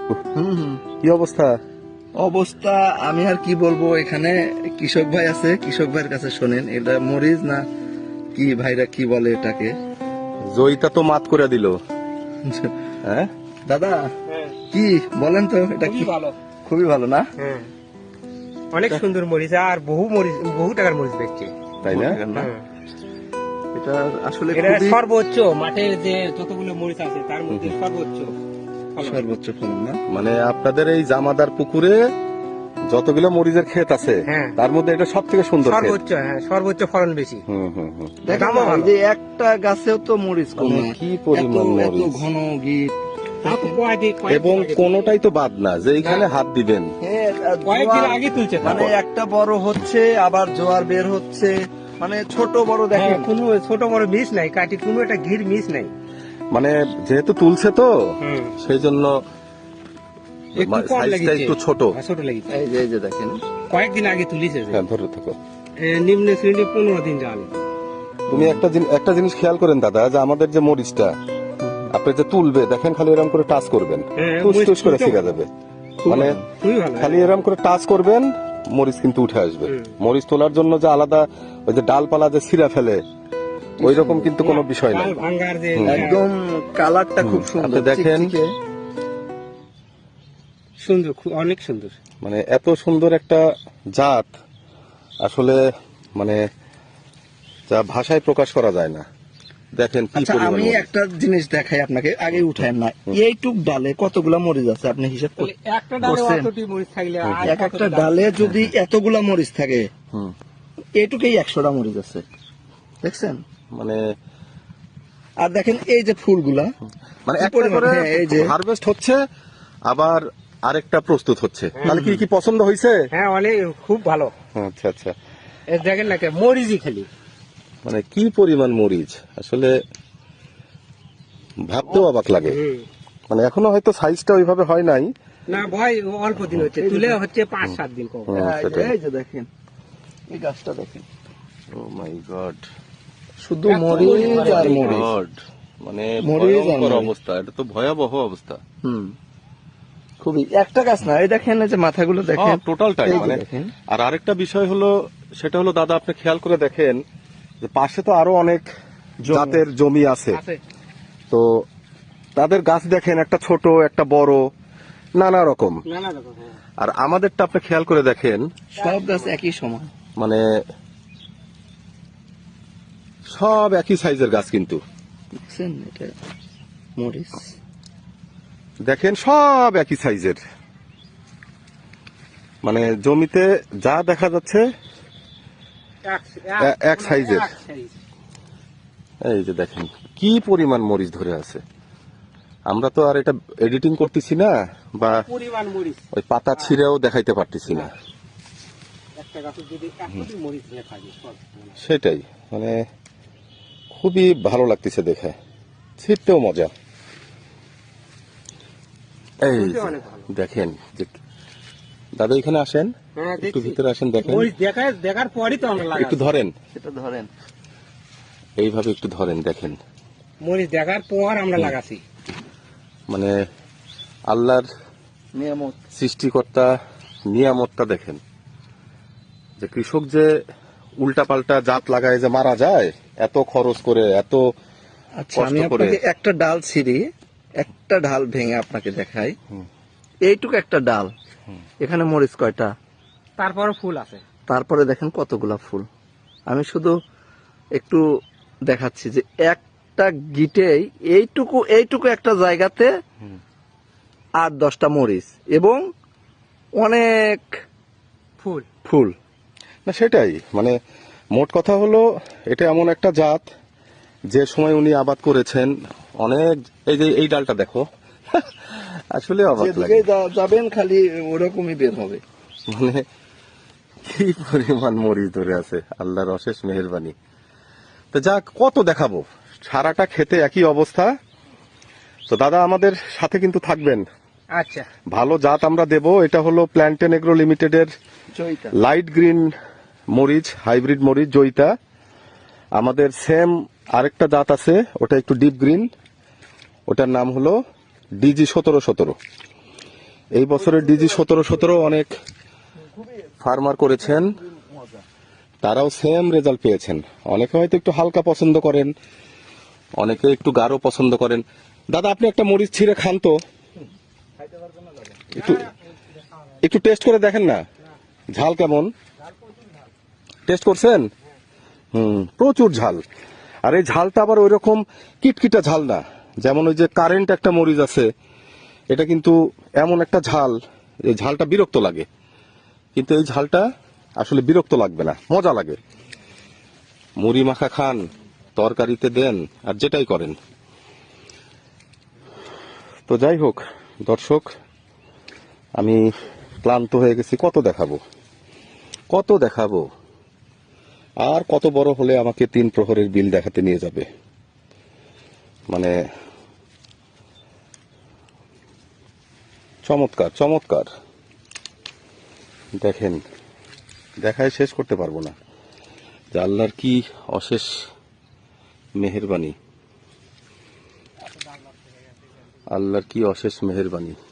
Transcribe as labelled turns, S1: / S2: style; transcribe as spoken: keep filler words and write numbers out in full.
S1: হুম হুম।
S2: কি অবস্থা?
S1: অবস্থা আমি আর কি বলবো, এখানে কৃষক ভাই আছে, কৃষক ভাইয়ের কাছে শোনেন এটা মরিচ না কি ভাইরা কি বলে এটাকে।
S2: জয়িতা তো মাত করে দিল। হ্যাঁ
S1: দাদা
S3: হ্যাঁ,
S1: কি বলেন তো এটা কি?
S3: খুবই ভালো।
S1: খুবই ভালো না?
S3: হ্যাঁ, অনেক সুন্দর মরিচ আর বহু মরিচ, বহু টাকার মরিচ বেচছে।
S2: তাই না?
S1: না?
S3: হ্যাঁ।
S1: এটা আসলে
S3: এটা
S1: খুবই
S3: সর্বোচ্চ মাঠের যে যতগুলো মরিচ আছে তার মধ্যে সর্বোচ্চ ফলন।
S1: সর্বোচ্চ ফলন না?
S2: মানে আপনাদের এই জামাদার পুকুরে যতগুলো মরিচের ক্ষেত আছে
S3: হ্যাঁ।
S2: তার মধ্যে এটা সব থেকে সুন্দর ক্ষেত।
S3: সর্বোচ্চ, হ্যাঁ, সর্বোচ্চ ফলন বেশি।
S2: হুম হুম হুম।
S1: দেখেন
S3: দামও
S1: না,
S3: ভালো।
S1: এই যে একটা গাছেও তো মরিচ কম
S2: মানে
S1: না।
S2: কি পরিমাণ
S1: এত- এত
S2: মরিচ।
S1: ঘন গিট।
S3: তাও তো কয়েকদিন কয়েকদিন
S2: এবং
S3: আগে
S2: কোনোটাই তো বাদ না যে এইখানে
S3: না।
S2: হাত দিবেন।
S1: হ্যাঁ, আর
S3: কয়েকদিন
S1: জোয়ার-
S3: আগে তুলছে
S1: মানে
S3: তারপর।
S1: একটা বড় হচ্ছে আবার জোয়ার বের হচ্ছে, মানে ছোট বড়
S3: হ্যাঁ,
S1: দেখেন।
S3: কোনো ছোট বড় মিস নাই, কাটি কোনো একটা ঘির মিস নাই।
S2: মানে যেহেতু তুলছে তো
S3: হুম।
S2: সেই জন্য
S3: একটু কম
S2: সাইজটা
S3: লেগেছে।
S2: একটু ছোট।
S3: হ্যাঁ, ছোট লেগেছে।
S1: এই যে এই যে দেখেন,
S3: কয়েকদিন আগে তুলিছে যে।
S2: হ্যাঁ ধরে থাকো।
S3: এ, নিম্ন শ্রেণী পনেরো দিন জাল।
S2: তুমি একটা জিনিস একটা জিনিস খেয়াল করেন দাদা, যে আমাদের যে মরিচটা আপনি যে তুলবে দেখেন খালি এরকম করে টাচ করবেন,
S3: হ্যাঁ,
S2: টুস
S3: মরিচ
S2: টুস করে
S3: তুলতে
S2: ছিঁড়া
S3: ভালো।
S2: যাবে।
S3: খুবই
S2: মানে
S3: ভালো, খুবই ভালো।
S2: খালি এরকম করে টাচ করবেন, মরিচ কিন্তু উঠে আসবে।
S3: হুম।
S2: মরিচ তোলার জন্য যে আলাদা ওই যে ডালপালা যে ছিঁড়া ফেলে ওই রকম কিন্তু কোনো বিষয় নাই।
S3: ডাল ভাঙ্গার যে
S1: একদম কালারটা খুব সুন্দর।
S2: আপনি দেখেন।
S1: চিকচিকে।
S3: সুন্দর, খু- অনেক সুন্দর।
S2: মানে এত সুন্দর একটা জাত আসলে মানে যা ভাষায় প্রকাশ করা যায় না। দেখেন কি
S1: আচ্ছা
S2: পরিমাণ
S1: আমি
S2: মরিচ।
S1: একটা জিনিস দেখাই আপনাকে, আগে উঠায় না। এইটুক ডালে কতগুলা মরিচ আছে আপনি হিসাব
S3: তাহলে
S1: করুন।
S3: একটা ডালে
S1: করছেন?
S3: অতটি মরিচ থাকলে আর
S1: এক
S3: কতটা
S1: একটা
S3: ডাল?
S1: ডালে যদি এতগুলা মরিচ থাকে,
S2: হুম।
S1: এইটুকুই একশোটা মরিচ আছে, দেখছেন?
S2: মানে
S1: আর দেখেন এই যে ফুলগুলা,
S2: মানে
S1: কি
S2: একটা
S1: পরিমাণ,
S2: করে
S1: হ্যাঁ, এই যে
S2: হারভেস্ট হচ্ছে আবার আরেকটা প্রস্তুত হচ্ছে। তাহলে কি কি পছন্দ হয়েছে?
S3: হ্যাঁ, অনেক খুব ভালো।
S2: আচ্ছা আচ্ছা।
S3: এ দেখেন না কে মরিচই খালি।
S2: মানে কি পরিমাণ মরিচ আসলে ভাবতেও অবাক লাগে।
S3: হুম।
S2: মানে এখনো হয়তো সাইজটা ওইভাবে হয় নাই।
S3: না ভয়, অল্প দিন হচ্ছে, তুলে হচ্ছে পাঁচ সাত দিন কম।
S2: হুম,
S1: এই যে-
S2: সেটাই।
S1: এই যে দেখেন এই গাছটা দেখেন,
S2: ও মাই গড,
S1: শুধু
S3: এত
S1: মরিচ
S3: মরিচ,
S1: আর
S3: মরিচ।
S1: মরিচ।
S2: গড, মানে
S1: মরিচ আর
S2: ভয়ঙ্কর
S1: মরিচ।
S2: অবস্থা, এটা তো ভয়াবহ অবস্থা।
S1: হুম, খুবই। একটা গাছ না, এই দেখেন এই যে মাথাগুলো দেখেন,
S2: টোটালটাই
S1: এই যে
S2: মানে।
S1: দেখেন।
S2: আর আরেকটা বিষয় হলো, সেটা হলো দাদা আপনি খেয়াল করে দেখেন যে পাশে তো আরো অনেক
S1: জমি।
S2: জাতের জমি আছে,
S3: আছে।
S2: তো তাদের গাছ দেখেন একটা ছোট একটা বড় নানা রকম।
S3: না না দেখো, হ্যাঁ।
S2: আর আমাদেরটা আপনি খেয়াল করে দেখেন
S1: সব গাছ একই সমান।
S2: মানে সব একই সাইজের গাছ, কিন্তু
S1: দেখছেন এটা মরিচ।
S2: দেখেন সব একই সাইজের। মানে জমিতে যা দেখা যাচ্ছে
S3: এক-
S2: এ- এক সাইজের।
S3: এক সাইজ।
S2: এই যে দেখেন কি পরিমাণ মরিচ ধরে আছে। আমরা তো আর এটা এডিটিং করতেছি না বা
S3: পরিমাণ মরিচ।
S2: ওই পাতা ছিঁড়েও দেখাইতে পারতেছি না।
S3: একটা গাছের যদি একটি মরিচ নিয়ে থাকে সব।
S2: সেটাই, মানে খুবই ভালো লাগতেছে দেখে, ছিঁড়তেও মজা। এই
S3: খুবই
S2: যে
S3: অনেক ভালো।
S2: দেখেন যে দাদা এখানে আসেন,
S3: হ্যাঁ,
S2: একটু
S3: দেখছি।
S2: ভিতরে আসেন, দেখেন
S3: মরিচ দেখায়, দেখার পরই তো আমরা লাগাই।
S2: একটু ধরেন,
S1: সেটা ধরেন।
S2: এইভাবে একটু ধরেন, দেখেন
S3: মরিচ দেখার পর আমরা লাগাছি।
S2: মানে আল্লাহর
S1: নিয়ামত।
S2: সৃষ্টিকর্তা নিয়ামতটা দেখেন, যে কৃষক যে উল্টা পাল্টা জাত লাগায় যে মারা যায় এত খরচ করে, এত
S1: আচ্ছা
S2: কষ্ট
S1: আমি
S2: করে।
S1: আপনাকে একটা ডাল ছিঁড়ি, একটা ডাল ভেঙে আপনাকে দেখাই। এইটুকু একটা ডাল, এখানে মরিচ কয়টা,
S3: তারপরে ফুল আছে।
S1: তারপরে দেখেন কতগুলা ফুল। আমি শুধু একটু দেখাচ্ছি যে একটা গিটেই এইটুকু এইটুকু একটা জায়গাতে আট দশটা মরিচ এবং অনেক
S3: ফুল।
S1: ফুল।
S2: না সেটাই, মানে মোট কথা হলো এটা এমন একটা জাত যে সময় উনি আবাদ করেছেন অনেক। এই যে এই ডালটা দেখো, আসলে অবাক লাগে।
S1: যেদিকে যা- যাবেন খালি ওরকমই বের হবে।
S2: মানে কি পরিমাণ মরিচ ধরে আছে, আল্লাহর অশেষ মেহেরবানি। তো যাক, কত দেখাবো, সারাটা খেতে একই অবস্থা। তো দাদা আমাদের সাথে কিন্তু থাকবেন,
S3: আচ্ছা।
S2: ভালো জাত আমরা দেব। এটা হলো প্ল্যান্টেন এগ্রো লিমিটেডের
S1: জয়িতা।
S2: লাইট গ্রিন মরিচ, হাইব্রিড মরিচ জয়িতা। আমাদের সেম আরেকটা জাত আছে, ওটা একটু ডিপ গ্রিন, ওটার নাম হলো ডিজি সতেরো সতেরো। এই বছরের ডিজি সতেরো সতেরো অনেক ফার্মার করেছেন, তারাও সেম রেজাল্ট পেয়েছেন। অনেকে হয়তো একটু হালকা পছন্দ করেন, অনেকে একটু গাঢ় পছন্দ করেন। দাদা আপনি একটা মরিচ ছিঁড়ে খান তো, একটু একটু টেস্ট করে দেখেন না ঝাল কেমন। টেস্ট করছেন? হুম, প্রচুর ঝাল। আর এই ঝালটা আবার ওই রকম কিটকিটা ঝাল না, যেমন ওই যে কারেন্ট একটা মরিচ আছে, এটা কিন্তু এমন একটা ঝাল, এই ঝালটা বিরক্ত লাগে, কিন্তু এই ঝালটা আসলে বিরক্ত লাগবে না, মজা লাগে। মুড়ি মাখা খান, তরকারিতে দেন, আর যেটাই করেন। তো যাই হোক দর্শক, আমি ক্লান্ত হয়ে গেছি। কত দেখাবো, কত দেখাবো, আর কত বড় হলে আমাকে তিন প্রহরের বিল দেখাতে নিয়ে যাবে। মানে চমৎকার চমৎকার, দেখেন, দেখায় শেষ করতে পারবো না যে আল্লাহর কি অশেষ মেহেরবানি, আল্লাহর কি অশেষ মেহেরবানি।